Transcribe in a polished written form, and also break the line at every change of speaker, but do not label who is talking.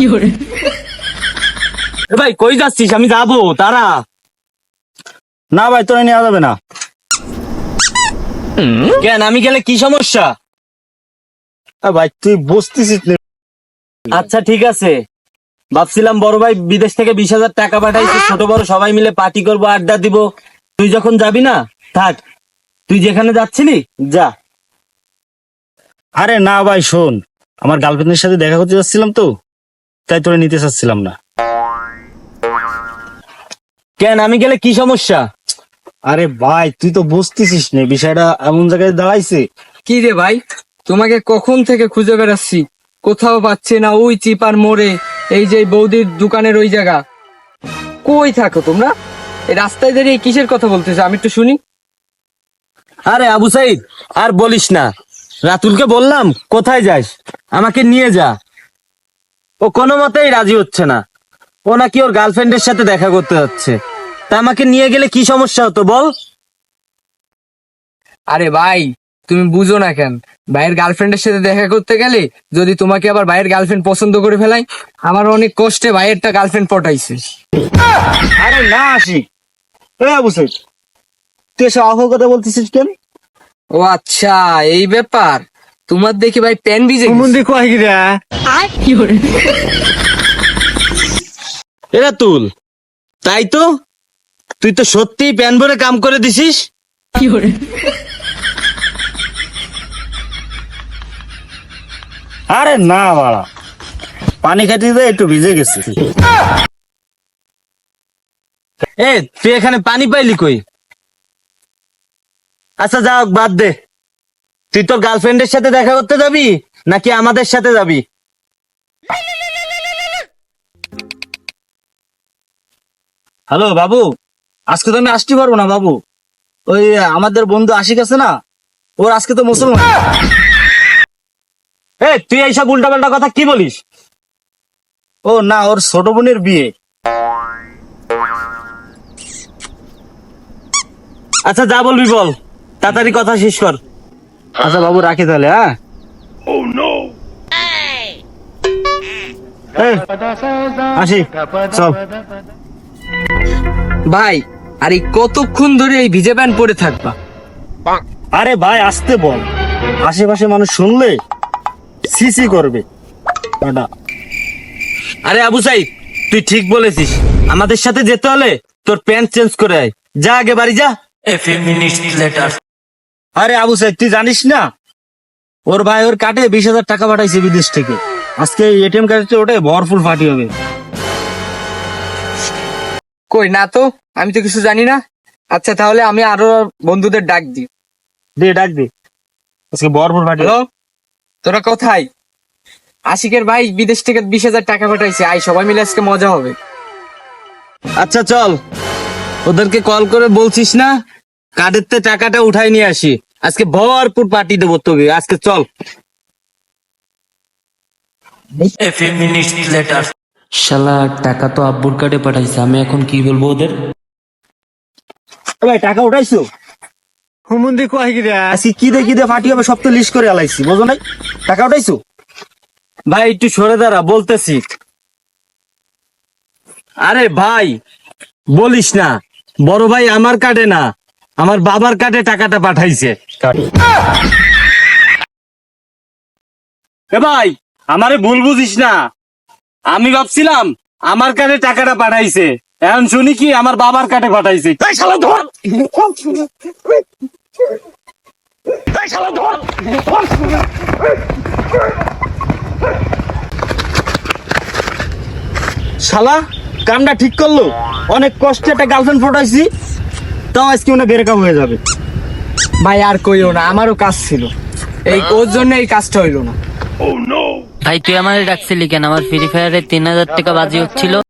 ভাই কই যাচ্ছিস? আমি যাবো, তারা।
না ভাই, তোরা নেওয়া যাবে না।
কেন, আমি গেলে কি সমস্যা?
ভাই তুই বসতেছিস না।
আচ্ছা ঠিক আছে, ভাবছিলাম বড় ভাই বিদেশ থেকে 20,000 টাকা পাঠাইছে, ছোট বড় সবাই মিলে পার্টি করবো, আড্ডা দিব। তুই যখন যাবি না, থাক, তুই যেখানে যাচ্ছিলি যা।
আরে না ভাই, শোন, আমার গার্লফ্রেন্ডের সাথে দেখা করতে যাচ্ছিলাম তো, তাই তোরা নিতে চাচ্ছিলাম না।
কেন, আমি গেলে কি সমস্যা?
আরে ভাই তুই তো বুঝতেছিস না, বিষয়টা এমন জায়গায় দাঁড়াইছে।
কি রে ভাই, তোমাকে কখন থেকে খুঁজে বেড়াচ্ছি, কোথাও পাচ্ছি না। ওই চিপার মোড়ে, এই যে বৌদির দোকানের ওই জায়গা, কই থাকো তোমরা? এই রাস্তায় দাঁড়িয়ে কিসের কথা বলতেছো, আমি একটু শুনি।
আরে আবু সাইদ, আর বলিস না। রাতুলকে বললাম কোথায় যাস, আমাকে নিয়ে যা। ও কোনো মতেই রাজি হচ্ছে না। ও নাকি ওর গার্লফ্রেন্ডের সাথে দেখা করতে যাচ্ছে। তা আমাকে নিয়ে গেলে কি সমস্যা হতো বল?
আরে ভাই, তুমি বুঝো না কেন? ভাইয়ের গার্লফ্রেন্ডের সাথে দেখা করতে গেলে যদি তোমাকে আবার ভাইয়ের গার্লফ্রেন্ড পছন্দ করে ফেলাই, আমার অনেক কষ্টে ভাইয়েরটা গার্লফ্রেন্ড পটাইছে।
আরে না আসি, বুঝছিস তুই এসে অহ কথা বলতেছিস কেন?
ও আচ্ছা, এই ব্যাপার। তোমার দেখি ভাই প্যান ভিজে গেছে।
এরা তুল, তাই তো, তুই তো সত্যিই প্যান ভরে কাম করে দিছিস।
আরে না বাড়া, পানি খাইতে দিয়ে একটু ভিজে গেছে।
এ তুই এখানে পানি পাইলি কই? আচ্ছা যা, বাদ দে। তুই তোর গার্লফ্রেন্ডের সাথে দেখা করতে যাবি নাকি আমাদের সাথে যাবি?
হ্যালো বাবু, আজকে তো আমি আসতে পারবো না বাবু। ওই আমাদের বন্ধু আশিক আছে না, ওর আজকে তো মুসলমান।
এ তুই এইসব উল্টাপাল্টা কথা কি বলিস?
ও না, ওর ছোট বোনের বিয়ে।
আচ্ছা যা বলবি বল, তাড়াতাড়ি কথা শেষ কর।
আচ্ছা বাবু, রাখি তাহলে। হ্যাঁ আসি, চল।
ভাই, আর এই কতক্ষণ ধরে এই ভিজে প্যান্ট পরে থাকবা?
আরে ভাই আসতে বল, আশেপাশে মানুষ শুনলে সিসি করবে।
আরে আবু সাইদ, তুই ঠিক বলেছিস, আমাদের সাথে যেতে হলে তোর প্যান্ট চেঞ্জ করে আয়। যা আগে বাড়ি যা।
আরে আবু সাইদ, তুই জানিস না ওর ভাই ওর কাটে 20,000 টাকা পাঠাইছে বিদেশ থেকে। আজকে এটিএম কার্ডে ওটাই ভরপুর পার্টি হবে।
কই না তো, আমি তো কিছু জানি না। আচ্ছা তাহলে আমি আরো বন্ধুদের ডাক দিই।
দে, ডাক দে, আজকে ভরপুর পার্টি।
হ্যালো, তোরা কোথায়? আশিকের ভাই বিদেশ থেকে 20,000 টাকা পাঠাইছে, আই সবাই মিলে আজকে মজা হবে।
আচ্ছা চল, ওদেরকে কল করে বলছিস না কার্ডের তে টাকাটা উঠাই নিয়ে আসি। আজকে ভরপুর পার্টি দেবো তোকে, আজকে চল।
শালা টাকা তো আব্বুর কার্ডে পাঠাইছে, আমি এখন কি বলবো ওদের?
ভাই টাকা উঠাইছো? আজকে কি দে কি দে পার্টি হবে সব তো লিস্ট করে আলাইছি, বুঝো নাই? টাকা উঠাইছো?
ভাই একটু সরে দাঁড়া, বলতেছি। আরে ভাই বলিস না, বড় ভাই আমার কার্ডে না, আমার বাবার কার্ডে টাকাটা পাঠাইছে। এ ভাই, আমারে ভুল বুঝিস না। আমি ভাবছিলাম আমার কার্ডে টাকাটা পাঠাইছে, এখন শুনি কি আমার বাবার কার্ডে পাঠাইছে। এই শালা ধর! এই শালা ধর!
শালা কামটা ঠিক করলো, অনেক কষ্টে একটা গার্লফ্রেন্ড ফোটাইছি, তাও আজকে ওনা ব্রেকআপ হয়ে যাবে।
ভাই আর কইও না, আমারও কাজ ছিল, এই ওর জন্য এই কাজটা হইলো না।
ভাই তুই আমাদের ডাকছিলি কেন? আমার ফ্রি ফায়ারে 3,000 টাকা বাজি হচ্ছিল।